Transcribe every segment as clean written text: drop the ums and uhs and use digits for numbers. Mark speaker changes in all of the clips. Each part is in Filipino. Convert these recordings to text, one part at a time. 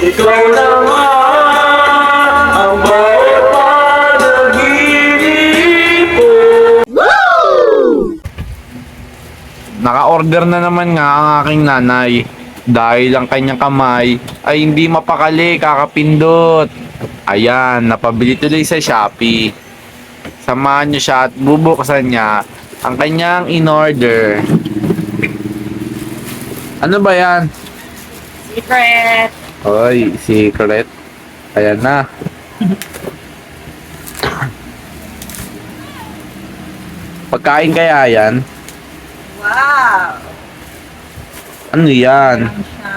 Speaker 1: ikaw naman ang bawat panaginip ko.
Speaker 2: Naka-order na naman nga ang aking nanay. Dahil ang kanyang kamay ay hindi mapakali kakapindot. Ayan, napabili tuloy sa Shopee. Samahan niyo siya at bubuksan niya ang kanyang in-order. Ano ba yan?
Speaker 3: Secret!
Speaker 2: Oy, secret. Ayan na. Pagkain kaya yan?
Speaker 3: Wow!
Speaker 2: Ano yan?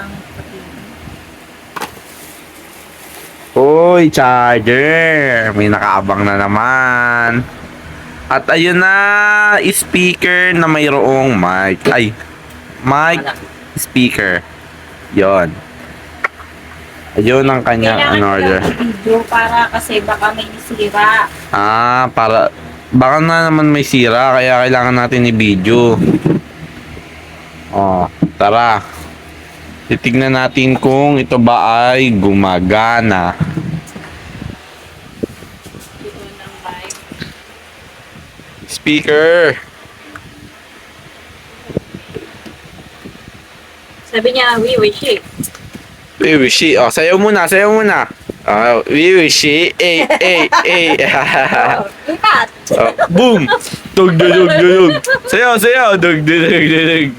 Speaker 2: Uy, charger. May nakaabang na naman. At ayun na, speaker na mayroong mic. Ay, mic, speaker. Yon. Ayun ang kanyang order.
Speaker 3: Video para kasi baka may sira.
Speaker 2: Ah, baka na naman may sira kaya kailangan natin i-video. Oh, tara. Titignan natin kung ito ba ay gumagana. Speaker.
Speaker 3: Sabi niya, we wish it.
Speaker 2: We wish it. Oh, sayaw muna, sayaw muna. We wish it.
Speaker 3: Oh, ikat!
Speaker 2: Boom! Dug dug dug dug. Sayaw, sayaw. Dug dug dug dug.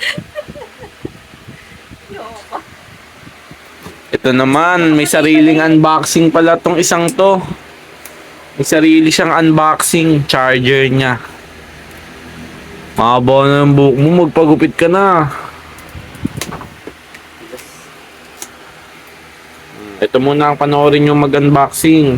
Speaker 2: Ito naman, may sariling unboxing pala tong isang to. May sarili siyang unboxing charger niya. Mahaba na yung buhok mo, magpagupit ka na. Ito muna ang panoorin yung mag-unboxing.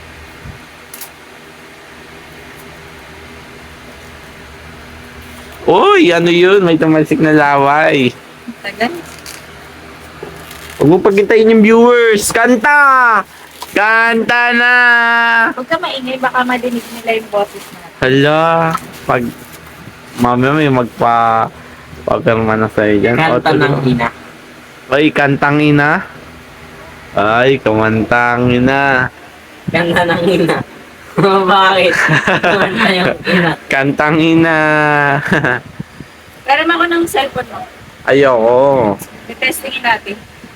Speaker 2: Uy, ano yun? May tumalsik na laway.
Speaker 3: Tagal.
Speaker 2: Huwag mo pagkintayin yung viewers. Kanta! Kanta na!
Speaker 3: Huwag ka maingay, baka madinig nila yung boses natin.
Speaker 2: Hala, pag mamaya may pagkarma na sa'yo dyan.
Speaker 4: Kanta ng ina.
Speaker 2: Ay, kantang ina. Ay, kamantang ina.
Speaker 4: Kanta ng ina. Bakit? Kanta yung ina.
Speaker 2: Kantang ina.
Speaker 3: Pero ako ng cellphone mo.
Speaker 2: Ayoko.
Speaker 3: I-testingin natin.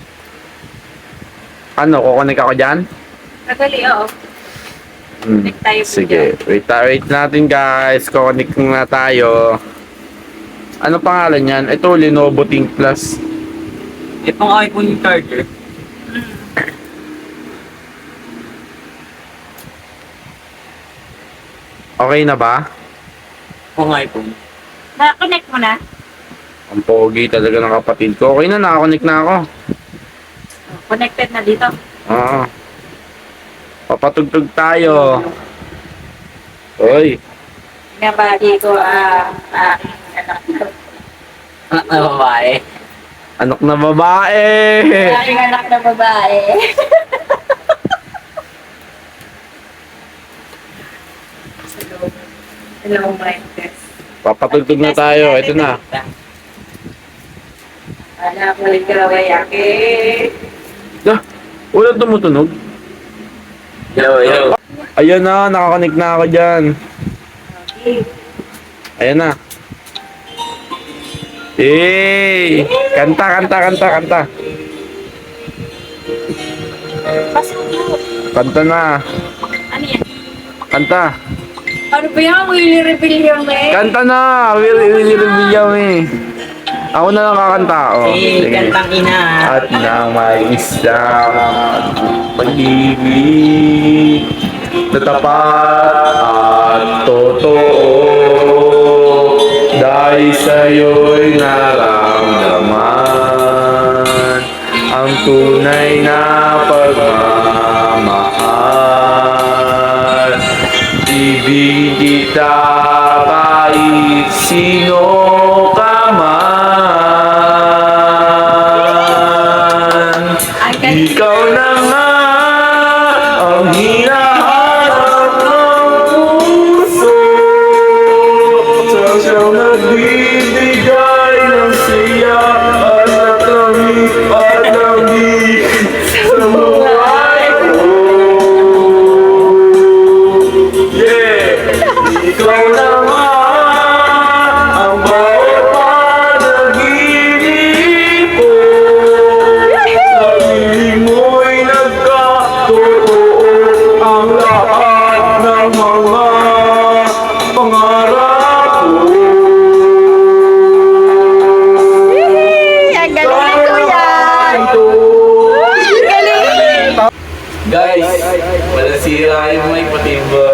Speaker 2: Ano, kukunik ako dyan?
Speaker 3: Madali, oo. Connect tayo po
Speaker 2: Sige, wait natin guys. Kukunik na tayo. Ano pangalan yan? Ito, Lenovo Think Plus.
Speaker 4: Itong iPhone yung charger.
Speaker 2: Okay na ba?
Speaker 4: Itong iPhone.
Speaker 3: Na-connect mo na?
Speaker 2: Ang pogi talaga ng kapatid ko. Okay na, nakakonik na ako.
Speaker 3: Connected na dito.
Speaker 2: Oo. Papatugtog tayo. Uy.
Speaker 3: Nabali ko aking anak na.
Speaker 4: Babae.
Speaker 2: Anak na babae.
Speaker 3: Aking anak na babae. Hello, Marcus.
Speaker 2: Papatugtog na tayo. Ito na.
Speaker 3: Anak mo rin karawayake.
Speaker 2: Ah, walang tumutunog.
Speaker 4: Yo.
Speaker 2: Ayan na, nakakonik na ako dyan.
Speaker 3: Okay.
Speaker 2: Ayan na. Hey! Kanta.
Speaker 3: Pasok.
Speaker 2: Kanta na.
Speaker 3: Ano yan?
Speaker 2: Kanta.
Speaker 3: Ano ba yan? Willy Rebellion eh.
Speaker 2: Kanta na! Willy Rebellion eh. Ako na lang kakanta. Oh, sige.
Speaker 4: Kantang ina.
Speaker 2: At nang may isang pag-ibig na tapat at totoo dahil sa'yo'y naramdaman ang tunay na pagmamahal. Ibig kita kahit sino ka man. Ikaw na nga ang hinahanap ng puso sa siyang nagbibigay ng siya at nakamit at nabig sa ang lahat ng mga pangarap ko.
Speaker 3: Ang galing ni Kuya! Ang galing!
Speaker 2: Guys, wala sira yung mic pati yung